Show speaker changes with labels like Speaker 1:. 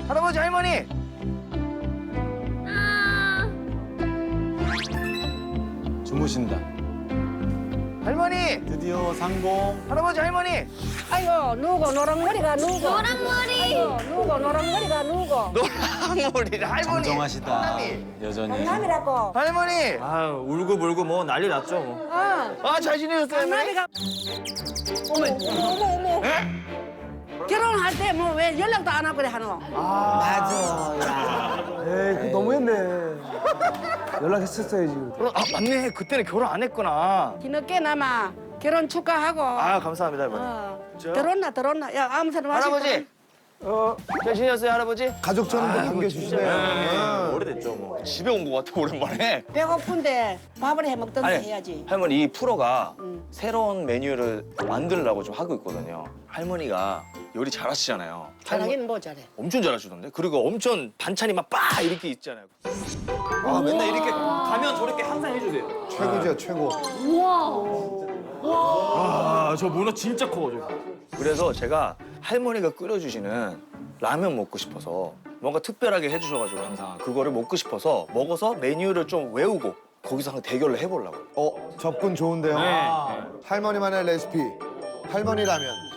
Speaker 1: 할아버지, 할머니.
Speaker 2: 주무신다.
Speaker 1: 할머니,
Speaker 2: 드디어 상봉.
Speaker 1: 할아버지, 할머니.
Speaker 3: 아이고 누구 노랑머리가 누구
Speaker 4: 노랑머리.
Speaker 3: 아이고 누구 노랑머리가 누구
Speaker 1: 노랑머리 할머니.
Speaker 2: 정정하시다.
Speaker 1: 할머니.
Speaker 2: 여전히.
Speaker 3: 강남이라고
Speaker 1: 할머니.
Speaker 5: 아유 울고 불고 뭐 난리 났죠 뭐.
Speaker 1: 아, 잘 지내셨어요, 할머니?
Speaker 3: 강남이가 어머 결혼할 때 뭐 왜 연락도 안 하고 그래 하노
Speaker 6: 에이, 그거 너무했네. 연락했었어야지.
Speaker 1: 아, 맞네. 그때는 결혼 안 했구나.
Speaker 3: 뒤늦게나마 결혼 축하하고
Speaker 1: 아, 감사합니다, 할머니.
Speaker 3: 들었나 야 아무 소리 마시고
Speaker 1: 할아버지. 잘 지내셨어요, 할아버지?
Speaker 6: 가족처럼 반겨주시네요.
Speaker 1: 오래됐죠, 뭐. 집에 온 것 같아, 오랜만에.
Speaker 3: 배고픈데 밥을 해 먹던지
Speaker 1: 아니,
Speaker 3: 해야지
Speaker 1: 할머니, 이 프로가 새로운 메뉴를 만들려고 좀 하고 있거든요. 할머니가 요리 잘하시잖아요.
Speaker 3: 잘하긴 뭐 잘해
Speaker 1: 엄청 잘하시던데? 그리고 엄청 반찬이 막 빠 이렇게 있잖아요.
Speaker 5: 아 맨날 이렇게 가면 저렇게 항상 해주세요.
Speaker 6: 최고죠, 최고.
Speaker 5: 아저 문어 진짜 커 저.
Speaker 1: 그래서 제가 할머니가 끓여주시는 라면 먹고 싶어서 뭔가 특별하게 해주셔가지고 항상 그거를 먹고 싶어서 먹어서 메뉴를 좀 외우고 거기서 한번 대결을 해보려고요.
Speaker 6: 접근 좋은데요. 할머니만의 레시피, 할머니 라면.